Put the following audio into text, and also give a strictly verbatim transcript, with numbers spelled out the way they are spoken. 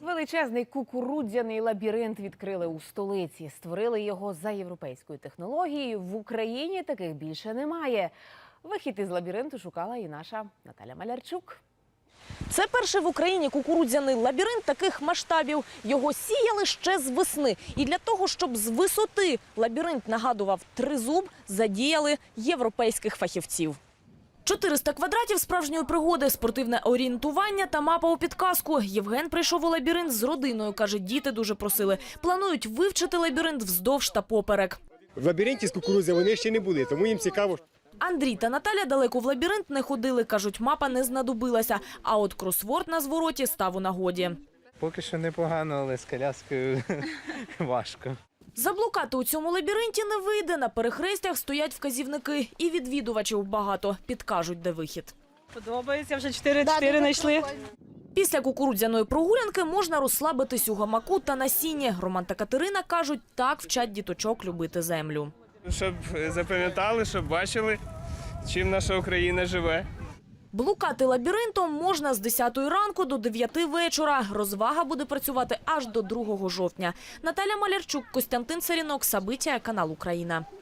Величезний кукурудзяний лабіринт відкрили у столиці. Створили його за європейською технологією. В Україні таких більше немає. Вихід із лабіринту шукала і наша Наталя Малярчук. Це перший в Україні кукурудзяний лабіринт таких масштабів. Його сіяли ще з весни. І для того, щоб з висоти лабіринт нагадував тризуб, задіяли європейських фахівців. чотириста квадратів справжньої пригоди, спортивне орієнтування та мапа у підказку. Євген прийшов у лабіринт з родиною. Каже, діти дуже просили. Планують вивчити лабіринт вздовж та поперек. В лабіринті з кукурудзи вони ще не були, тому їм цікаво. Андрій та Наталя далеко в лабіринт не ходили. Кажуть, мапа не знадобилася. А от кросворд на звороті став у нагоді. Поки що непогано, але з коляскою важко. Заблукати у цьому лабіринті не вийде. На перехрестях стоять вказівники. І відвідувачів багато. Підкажуть, де вихід. Подобається, вже чотири-чотири знайшли. Після кукурудзяної прогулянки можна розслабитись у гамаку та на сіні. Роман та Катерина кажуть, так вчать діточок любити землю. Щоб запам'ятали, щоб бачили, чим наша Україна живе. Блукати лабіринтом можна з десятої ранку до дев'яти вечора. Розвага буде працювати аж до другого жовтня. Наталя Малярчук, Костянтин Царінок, Сабиття, канал Україна.